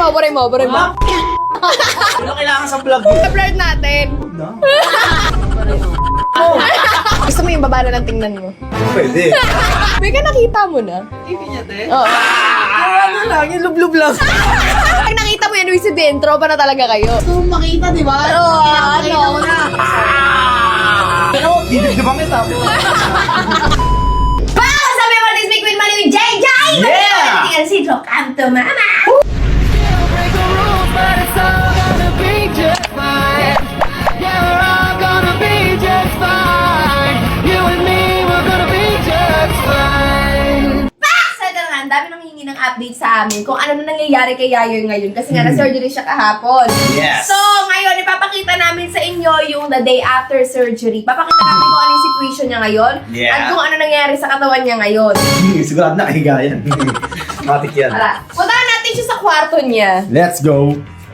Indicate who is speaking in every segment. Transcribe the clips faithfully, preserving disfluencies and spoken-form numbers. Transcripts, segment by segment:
Speaker 1: buray mo, buray mo.
Speaker 2: Ano kailangan sa vlog eh?
Speaker 1: Blurred natin. Gusto mo yung baba na lang tingnan mo?
Speaker 2: Pwede.
Speaker 1: May ka nakita mo na?
Speaker 3: Ibig niya, te?
Speaker 1: Oo.
Speaker 2: Ano lang, yung lublub lang.
Speaker 1: Pag nakita mo yan, ibig sabihin, tropa na talaga kayo.
Speaker 3: Gusto mo makita, di ba?
Speaker 1: Oo,
Speaker 3: Pinapakita
Speaker 1: ano?
Speaker 3: mo na.
Speaker 2: Pero, dibig-dibang kita.
Speaker 1: Wow! Sabi mo, this week with Money with J J!
Speaker 2: Yeah!
Speaker 1: Tingnan si Trocanto, mama! So ito na nga, ang dami nang hingi ng update sa amin kung ano na nangyayari kay Yayoy ngayon kasi nga na-surgery siya kahapon.
Speaker 2: Yes.
Speaker 1: So, ngayon, ipapakita namin sa inyo yung the day after surgery. Papakita namin kung ano yung situation niya ngayon
Speaker 2: Yeah.
Speaker 1: at kung ano nangyari sa katawan niya ngayon.
Speaker 2: Sigurado na kahiga yan. Matik yan.
Speaker 1: Tara, puntahan natin siya sa kwarto niya.
Speaker 2: Let's go.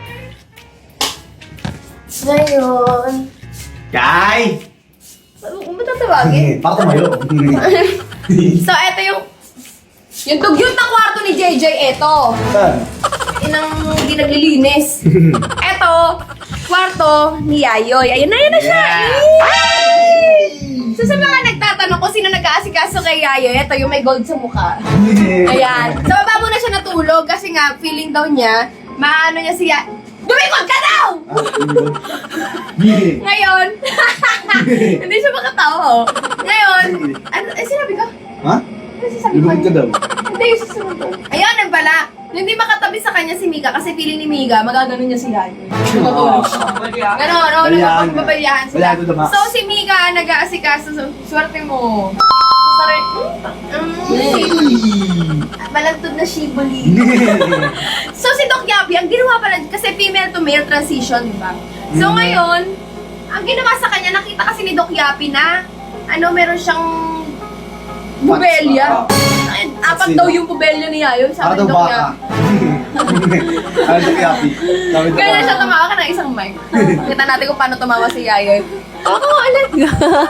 Speaker 1: Ngayon,
Speaker 2: Kai!
Speaker 1: ano mo tatawagin?
Speaker 2: Para tumayo.
Speaker 1: So, eto yung yung dugyot na kwarto ni J J, eto.
Speaker 2: Saan?
Speaker 1: Inang hindi naglilinis. Eto, kwarto ni Yayoy. Ayun na, ayun na siya. Yay! So, sa mga nagtatanong kung sino nag-aasikaso kay Yayoy, eto yung may gold sa mukha. Ayan. Sa baba muna siya natulog kasi nga, feeling daw niya, maano niya siya, dumikot ka daw! Ngayon, hindi siya makatawa. Ngayon, ano, eh, sinabi ko?
Speaker 2: Ha?
Speaker 1: Ano sasabi ko?
Speaker 2: Lumikot ka daw.
Speaker 1: Hindi, yung susunod ko. Ayun, nang pala. Hindi makatabi sa kanya si Mika kasi feeling ni Mika, magaganon niya si Yayoy. Matulog siya. Ganon, no?
Speaker 2: Baliaan.
Speaker 1: Nagpapabayahan sila.
Speaker 2: Baliaan to the max.
Speaker 1: So, si Mika, nag-aasikaso. So, swerte mo. Sorry. Mm. Balantod na shibuli. So, si Doc Yabi, ang ginawa pala, kasi female to male transition, di ba? So,
Speaker 2: Mm.
Speaker 1: ngayon, ang ginawa sa kanya, nakita kasi ni Doc Yapi na, ano, meron siyang pubelya. Ay, apat
Speaker 2: Sino?
Speaker 1: daw yung pubelya ni Yayo,
Speaker 2: Para
Speaker 1: sabi
Speaker 2: daw
Speaker 1: ni Doc
Speaker 2: baka.
Speaker 1: Yapi.
Speaker 2: Ano daw happy? Sabi daw
Speaker 1: Kaya
Speaker 2: baka.
Speaker 1: siya tumawa ka ng isang mic. Kita natin kung paano tumawa si Yayoy. Oo, alam nga.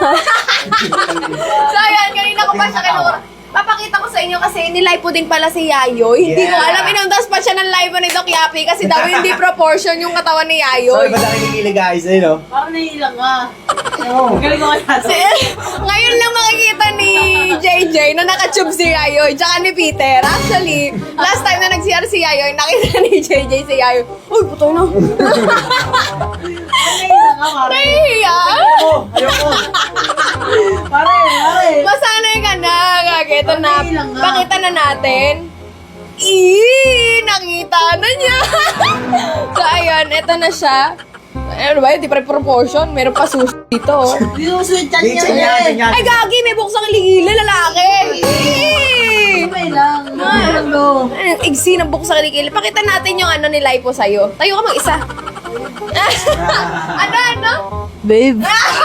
Speaker 1: So, ayan, kanina ko pa siya kinura. Papakita ko sa inyo kasi nilive po din pala si Yayoy. Hindi ko
Speaker 2: Yeah.
Speaker 1: alam, inundas pa siya ng live ni Doc Yapi kasi daw hindi proportion yung katawan ni
Speaker 2: So,
Speaker 1: Yayoy.
Speaker 2: iba na kinikili guys, ayun o.
Speaker 3: Parang naiilang ka.
Speaker 2: Oo.
Speaker 3: Galing ko kaya.
Speaker 1: Si- Ngayon lang makikita ni J J na nakatube si Yayoy tsaka ni Peter. Actually, last time na nag-C R si Yayoy, nakita ni J J si Yayoy. Uy, putay na.
Speaker 3: Naiilang ka, pare.
Speaker 1: Nahihiya.
Speaker 2: Oh, ayoko.
Speaker 3: Pare, pare.
Speaker 1: Masanay ka na. Gagi, ito na.
Speaker 3: Okay lang nga.
Speaker 1: Pakita na natin. Eee! Nakita na niya. So, ayun. Ito na siya. Ano ba yun? Di pa rin proportion. Meron pa sushi dito. oh.
Speaker 3: Hindi mo sweet chan
Speaker 2: Di,
Speaker 3: niya.
Speaker 2: chan yan,
Speaker 3: eh.
Speaker 2: chan yan.
Speaker 1: Ay, gagi! May buksang ligila, lalaki. Eee!
Speaker 3: Okay lang. Ano?
Speaker 1: Ay, igsi ng buksang ligila. Pakita natin yung ano ni Lipo sa'yo. Tayo ka mag-isa. ano, ano?
Speaker 3: Babe.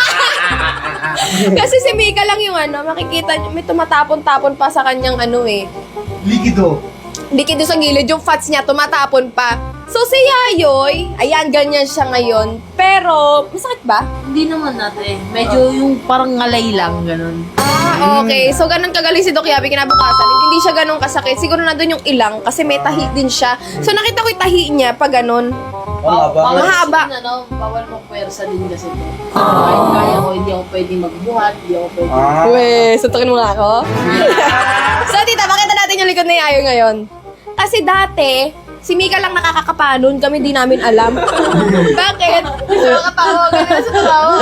Speaker 1: Kasi si Mika lang yung ano, makikita niyo, may tumatapon-tapon pa sa kanyang ano eh.
Speaker 2: Likido.
Speaker 1: Likido sa gilid, yung fats niya tumatapon pa. So si Yayoy, ayan, ganyan siya ngayon. Pero, masakit ba?
Speaker 3: Hindi naman natin. Medyo yung parang ngalay lang, ganun.
Speaker 1: Ah, okay. So ganun kagaling si Doc Yabi kinabukasan. Hindi siya ganun kasakit. Siguro nandun yung ilang kasi may tahi din siya. So nakita ko yung tahi niya pag ganun.
Speaker 2: Oh, ba?
Speaker 3: Bawal
Speaker 1: Mahaba.
Speaker 3: kasi, ano, bawal mong pwersa din kasi ito. Kahit kaya ko, hindi ako pwedeng magbuhat, hindi ako pwedeng...
Speaker 2: Ah.
Speaker 1: Weh, suntukin mo nga ako. So tita, pakita natin yung likod ni Yayoy ngayon. Kasi dati, si Mika lang nakakakapanon, kami di namin alam. Bakit? Gusto makatawa, ganun sa tawa.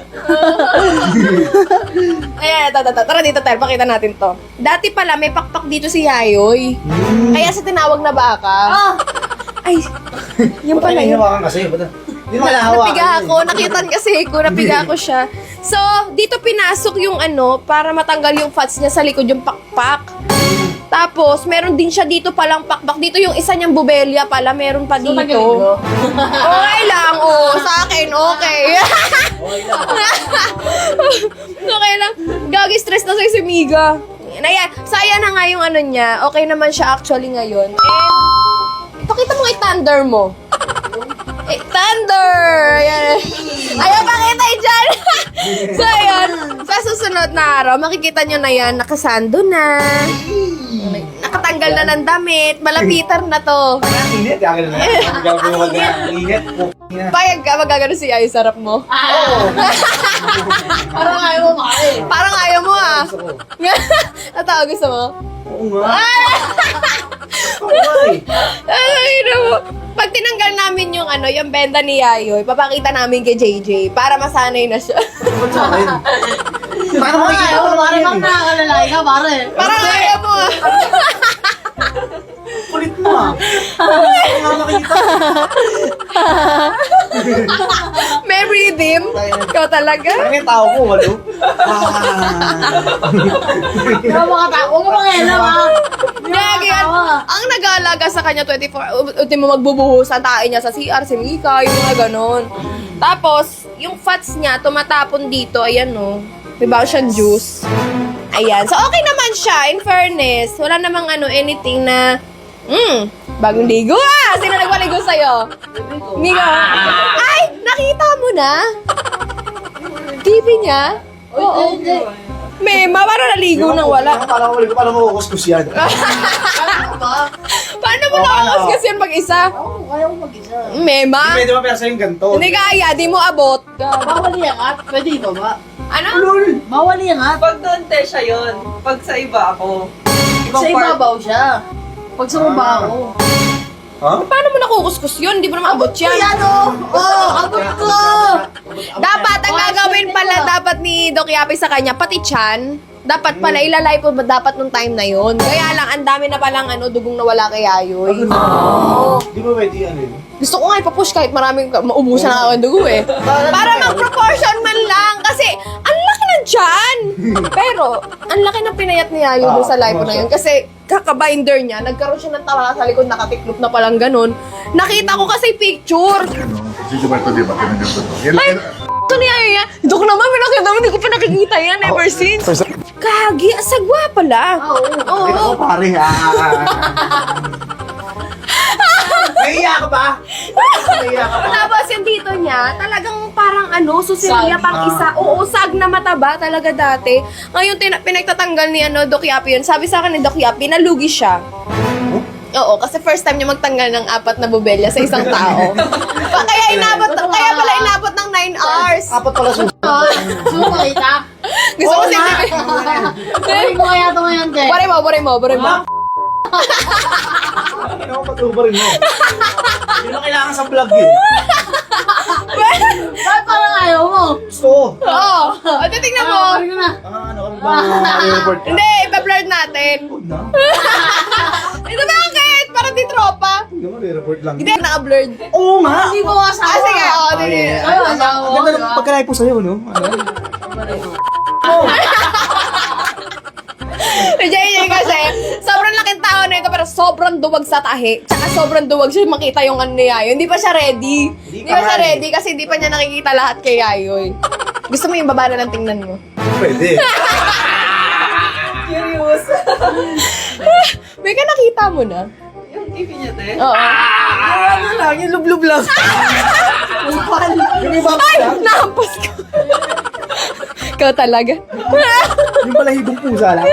Speaker 1: Ayan, ito, ito, ito. Tara dito tayo, pakita natin to. Dati pala, may pakpak dito si Yayoy. Kaya sa tinawag na baka.
Speaker 3: Ah!
Speaker 1: Ay, yung pala yun.
Speaker 2: Hinawakan kasi. Ba't hindi mo kalahawakan.
Speaker 1: Napiga ako, nakitan kasi ko, napiga ko siya. So, dito pinasok yung ano, para matanggal yung fats niya sa likod, yung pakpak. Tapos, meron din siya dito palang pakpak. Dito yung isa niyang bubelya pala, meron pa dito. Okay lang, oh. Sa akin, okay. Okay lang. Gagi, stress na sa'yo si Miga. Ayan, saya na nga yung ano niya. Okay naman siya actually ngayon. And, pakita mo kay Thunder mo. Eh, Thunder! Ayan. Ayaw pakita eh dyan. So, ayan. Sa susunod na araw, makikita nyo na yan, nakasando na. Nakatanggal Pagtanggal na ng damit, malapitan na to.
Speaker 2: Init, kaya na. Ang gagawin mo mag init.
Speaker 1: Payag ka, magagano si Yayo, sarap mo.
Speaker 2: Oo.
Speaker 3: Parang ayaw mo makain.
Speaker 1: Parang ayaw mo ah.
Speaker 2: Gusto ko.
Speaker 1: Natawa, gusto mo?
Speaker 2: Oo nga. Oo nga eh.
Speaker 1: Ay, no. Pag tinanggal namin yung ano, yung benda ni Yayo, ipapakita namin kay J J para masanay na siya.
Speaker 2: Ba't sa akin? Paano
Speaker 3: Parang
Speaker 2: makikita
Speaker 3: ayaw
Speaker 2: ko
Speaker 3: mo, parang
Speaker 2: naman
Speaker 3: bang nakakalalahi ka, pare.
Speaker 1: Parang ayaw mo ah.
Speaker 2: Kulit mo ah. Paano nga makikita?
Speaker 1: May rhythm. Ikaw talaga.
Speaker 2: Parang yung tao ko, walo. Ah.
Speaker 3: Hindi mo makatawa. Huwag mo mangialam, ha?
Speaker 1: Gagi yan. Ang nag-aalaga sa kanya twenty-four, ultimo magbubuhos ang tae niya sa C R, si Mika, yung mga ganon. Tapos, yung fats niya, tumatapon dito, ayan no. Diba siyang juice. Ayan. So, okay naman siya, in fairness. Wala namang ano, anything na, hmm, bagong ligo ah! Sino nagpaligo sa'yo? Mika. Ay! Nakita mo na? T V niya? Oo.
Speaker 3: Hindi.
Speaker 1: Mema, parang naligo nang wala.
Speaker 2: Paano mo paano mo kukuskus yan?
Speaker 1: Paano mo
Speaker 2: Oo,
Speaker 1: nakakas
Speaker 2: ano?
Speaker 1: kasi yan mag-isa?
Speaker 3: Oo, kaya ko mag-isa.
Speaker 1: Mema?
Speaker 2: Pwede ba pera sa'yo yung ganito?
Speaker 1: Hindi kaya, di mo abot.
Speaker 3: Bawal iangat. Pwede iba ba?
Speaker 1: Ano?
Speaker 2: Lol!
Speaker 3: Bawal iangat.
Speaker 4: Pag doon, te, siya yun. Pag sa iba ako. Ibang
Speaker 3: Sa
Speaker 4: part.
Speaker 3: ibabaw siya. Pag sa baba
Speaker 2: Ah.
Speaker 3: ako.
Speaker 2: Ha?
Speaker 1: Paano mo nakukuskus yun? Di mo naman abot yan.
Speaker 3: Yan o! Oo, abot ko!
Speaker 1: Dapat, ang gagawin pala dapat ni Doc Yapi sa kanya, pati chan, dapat pala ilalay po ba dapat nung time na yun. Kaya lang, ang dami na palang ano, dugong nawala kay Ayoy. Oo.
Speaker 2: Di ba pwede ano yun?
Speaker 1: Gusto ko nga ipapush kahit maraming maubusan na ako ng dugo eh. Para mag-proportion man lang. Kasi, ang laki ng tiyan. Pero, ang laki ng pinayat ni Yayo dun sa live na yun. Kasi, kaka-binder niya, nagkaroon siya ng tawala sa likod, nakatiklop na palang ganun. Nakita ko kasi picture.
Speaker 5: Ano, si Gilberto, di ba? Ganun ganun. Yan,
Speaker 1: Ay,
Speaker 5: yan,
Speaker 1: ito ni Yayo yan. Dok naman, pinakita mo, hindi ko pa nakikita yan ever since. Kagi, asagwa pala.
Speaker 3: Oo.
Speaker 1: Oo.
Speaker 2: Ito ko pare ha. Naiiyak ka ba? Naiiyak ka ba?
Speaker 1: Tapos yung dito niya, talagang parang ano, susilya
Speaker 3: Sag.
Speaker 1: pang isa. Oo, sag na mataba talaga dati. Ngayon, tina- pinagtatanggal ni ano, Doc Yapi yun. Sabi sa akin ni Doc Yapi, nalugi siya. Oo, kasi first time niya magtanggal ng apat na bubelya sa isang tao. Pa, kaya inabot, kaya pala inabot ng nine hours.
Speaker 2: Apat pala susunod.
Speaker 3: Gusto mo makita?
Speaker 1: Gusto ko
Speaker 3: Oo
Speaker 1: si
Speaker 3: nga. Balik mo kaya ito ngayon, te.
Speaker 1: Bore mo, bore mo, bore mo.
Speaker 2: Ano ko patubarin mo? Yun ang kailangan sa vlog eh.
Speaker 3: Bakit parang ayaw mo?
Speaker 2: Gusto ko.
Speaker 1: Oo. O, titignan mo.
Speaker 3: Ah, balik mo na.
Speaker 2: Ah, ano kami ba? I-report ka?
Speaker 1: Hindi, ipa-blur natin.
Speaker 2: Huwag na.
Speaker 1: Ito bakit? Para di tropa.
Speaker 2: Huwag naman, i-report lang.
Speaker 1: Hindi, naka-blurred.
Speaker 2: Oo nga!
Speaker 3: Hindi mo asawa.
Speaker 1: Ah, sige, oo,
Speaker 2: Ah,
Speaker 1: sige.
Speaker 2: yeah.
Speaker 3: Ay, asawa.
Speaker 2: Ang ganda ng pagkalay po sa'yo, no? Ano?
Speaker 1: Si J J kasi, sobrang laking tao na ito, pero sobrang duwag sa tahi. Tsaka sobrang duwag siya makita yung ano ni Yayo. Hindi pa siya ready. Hindi
Speaker 2: ka
Speaker 1: pa siya
Speaker 2: ready.
Speaker 1: ready kasi hindi pa niya nakikita lahat kay Yayoy. Gusto mo yung baba na lang tingnan mo?
Speaker 2: Pwede.
Speaker 1: Curious. May ka nakita mo na?
Speaker 4: Yung T V niya, te.
Speaker 1: Oo. Ano lang, yung lublub lang.
Speaker 2: Yung iba
Speaker 1: Ay! Nahampas ko. Ikaw talaga.
Speaker 2: yung balahibong pusa lang.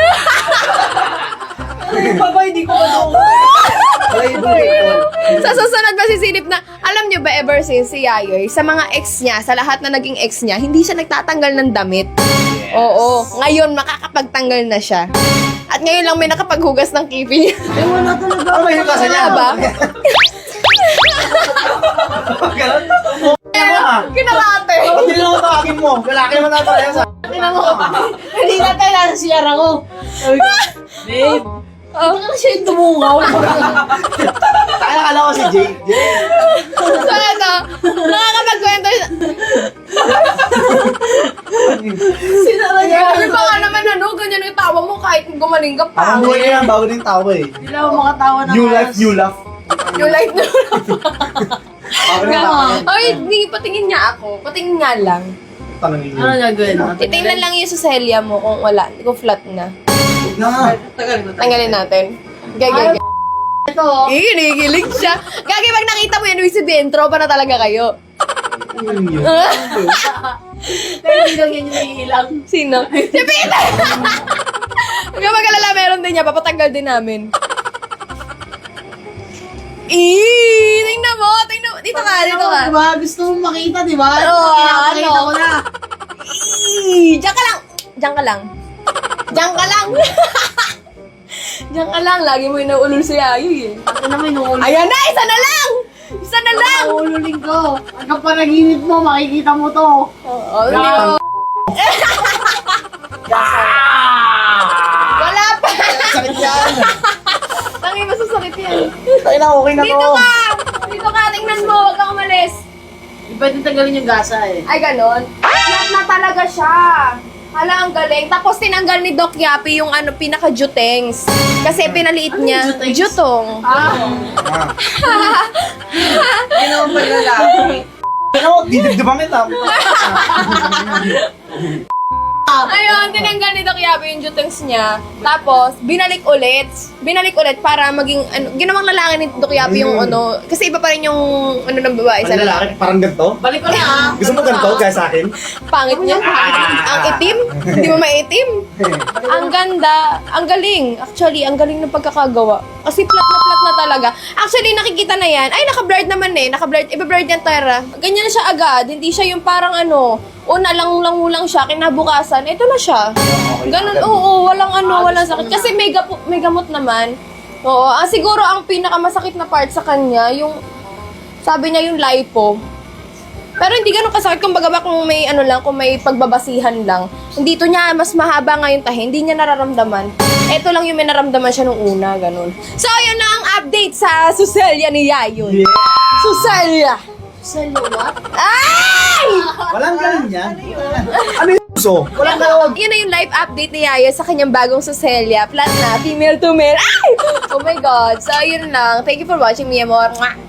Speaker 4: Baba, hindi ko ano.
Speaker 2: Balahibong pusa.
Speaker 1: Sa susunod masisilip na, alam nyo ba ever since si Yayoy, sa mga ex niya, sa lahat na naging ex niya, hindi siya nagtatanggal ng damit. Oo. Ngayon, makakapagtanggal na siya. At ngayon lang may nakapaghugas ng kipi niya.
Speaker 3: Eh, wala talaga.
Speaker 2: Ano ba yung kasa niya?
Speaker 1: Wala ba?
Speaker 2: Ganun? Ano mo ah?
Speaker 1: Kinalate.
Speaker 2: Ba't hindi naman tawagin mo? Lalaki naman natin tayo sa...
Speaker 3: Tingnan mo. Hindi na tayo nasa C R ako. Sabi ko, babe,
Speaker 1: Oh.
Speaker 3: ano siya yung tumungaw?
Speaker 2: Tayo nakala ko si Jay. Jay!
Speaker 1: So ano, nakakapagkwento siya.
Speaker 3: Sinara niya.
Speaker 1: Sabi pa nga naman ano, ganyan yung tawa mo kahit gumaling ka pa.
Speaker 2: Ang buhay niya yan, bago din tao eh.
Speaker 3: Hindi lang ako makatawa ng
Speaker 2: New
Speaker 3: ayos.
Speaker 2: life, new laugh.
Speaker 1: Yung light na
Speaker 2: Bago din tao.
Speaker 1: Ay, hindi, patingin niya ako. Patingin nga lang.
Speaker 2: Tanongin niyo.
Speaker 3: Ano gagawin mo?
Speaker 1: Titingnan lang yung suselya mo kung wala, kung flat na.
Speaker 2: Huwag na.
Speaker 4: Tagal ko.
Speaker 1: Tanggalin natin. Gagay, gagay.
Speaker 3: Ito.
Speaker 1: Eh, kinikilig siya. Gagay, pag nakita mo yan, ibig sabihin, tropa na talaga kayo.
Speaker 2: Yun yun.
Speaker 3: Pero hindi lang yan yung naiilang.
Speaker 1: Sino? Si Peter! Huwag ka mag-alala, meron din niya. Papatanggal din namin. Eee! Tingnan mo! Tingnan mo! Dito ka! Dito ka!
Speaker 3: Diba? Gusto mo makita, diba?
Speaker 1: Oo,
Speaker 3: Pinapakita
Speaker 1: ano?
Speaker 3: ko na.
Speaker 1: Eee! Diyan ka lang! Diyan ka lang! Diyan ka lang! Diyan ka lang! Lagi mo inuulol si Ayoy eh.
Speaker 3: Ako naman inuulo.
Speaker 1: Ayan na! Isa na lang! Isa na lang!
Speaker 3: Inuululin ko. Hanggang panaginip mo, makikita mo to.
Speaker 1: Oo, hindi mo. Wala pa!
Speaker 2: Sakit yan.
Speaker 1: Tangin, masasakit yan.
Speaker 2: Tayo na, okay na
Speaker 1: Dito
Speaker 2: to.
Speaker 1: ka! Dito ka! Tingnan mo! Huwag kang umalis!
Speaker 3: Hindi pwede tanggalin yung gasa eh.
Speaker 1: Ay, ganon. Flat na talaga siya. Hala, ang galing. Tapos tinanggal ni Doc Yapi yung ano, pinaka-jutengs. Kasi pinaliit niya.
Speaker 3: jutengs?
Speaker 1: Jutong.
Speaker 3: Ah,
Speaker 4: Hindi naman pala lalaki.
Speaker 2: Pero, didibdibang kita.
Speaker 1: Ayun, tinanggal ni Doc Yapi yung jutengs niya. Tapos, binalik ulit. Binalik ulit para maging, ano, ginawang lalaki ni Doc Yapi yung ano. Kasi iba pa rin yung, ano ng babae sa
Speaker 2: Ang
Speaker 1: lalaki.
Speaker 2: lalaki, parang ganito.
Speaker 3: balik ko na ah.
Speaker 2: Gusto mo ganito, kaya sa akin?
Speaker 1: Pangit niya. Ang itim. Hindi mo maitim. Ang ganda. Ang galing. Actually, ang galing ng pagkakagawa. Kasi flat na flat na talaga. Actually, nakikita na yan. Ay, naka-blurred naman eh. Naka-blurred. Iba-blurred yan, Tara. Ganyan na siya agad. Hindi siya yung parang ano, una lang lang lang siya, kinabukasan, ito na siya. Ganun, oo, walang ano, walang sakit. Kasi may, gapo, may gamot naman. Oo, ah, siguro ang pinakamasakit na part sa kanya, yung, sabi niya yung lipo. Pero hindi ganun kasakit, kumbaga ba kung may ano lang, kung may pagbabasihan lang. Dito niya, mas mahaba nga yung tahi, hindi niya nararamdaman. Ito lang yung may naramdaman siya nung una, ganun. So, yun na ang update sa Suselia ni Yayon.
Speaker 2: Yeah!
Speaker 1: Suselia!
Speaker 3: Sell you what?
Speaker 1: Ay!
Speaker 2: Walang ganun yan. Ano yung uso? Walang ganun.
Speaker 1: Yun na yung live update ni Yaya sa kanyang bagong Suselia. Flat na, female to male. Ay! Oh my God. So, yun lang. Thank you for watching, mi amor. Mwah!